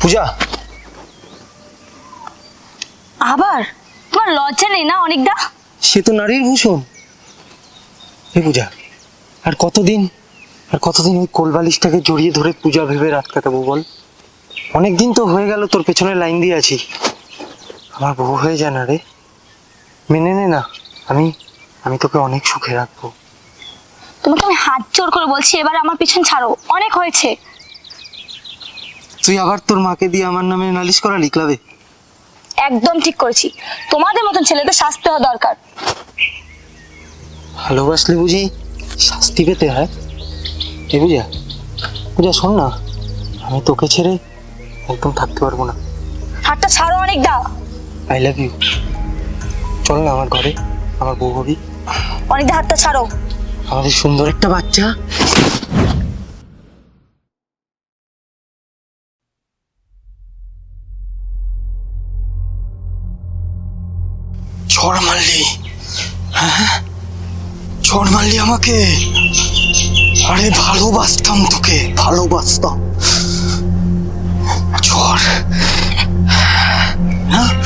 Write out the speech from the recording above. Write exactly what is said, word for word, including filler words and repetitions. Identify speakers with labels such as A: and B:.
A: পূজা,
B: আবার তোমার লজ্জা নেই না অনেকটা?
A: সে তো নারীর ভূষণ। এ পূজা, আর কতদিন আর কতদিন ওই কোলবালিশটাকে জড়িয়ে ধরে পূজা ভেবে রাত কাটাবো বল? অনেকদিন তো হয়ে গেল তোর পেছনে লাইন দিয়ে আছি। আমার বউ হয়ে যায় না রে, মেনে নে না। আমি আমি তোকে অনেক সুখে রাখবো।
B: তোমাকে আমি হাত জোর করে বলছি, এবার আমার পিছন ছাড়ো, অনেক হয়েছে।
A: তুই আবার তোর মাকে দিয়ে আমার নামে নালিশ করা লিখলাবে?
B: একদম ঠিক করেছি, তোমাদের মতন ছেলেদের শাস্তি হওয়া দরকার।
A: ভালোবাসলে বুঝি শাস্তি পেতে হয়? এ পূজা, পূজা শোন না, আমি তোকে ছেড়ে একদম থাকতে পারবো না।
B: হাতটা ছাড়ো অনেকটা।
A: I love you. চল না আমার ঘরে, আমার বউ হবি।
B: অনেকটা হাতটা ছাড়ো।
A: আমাদের সুন্দর একটা বাচ্চা। ঝড় মারলি? হ্যাঁ, ঝড় মারলি আমাকে? আরে ভালোবাসতাম তোকে, ভালোবাসতাম। ঝড়, হ্যাঁ,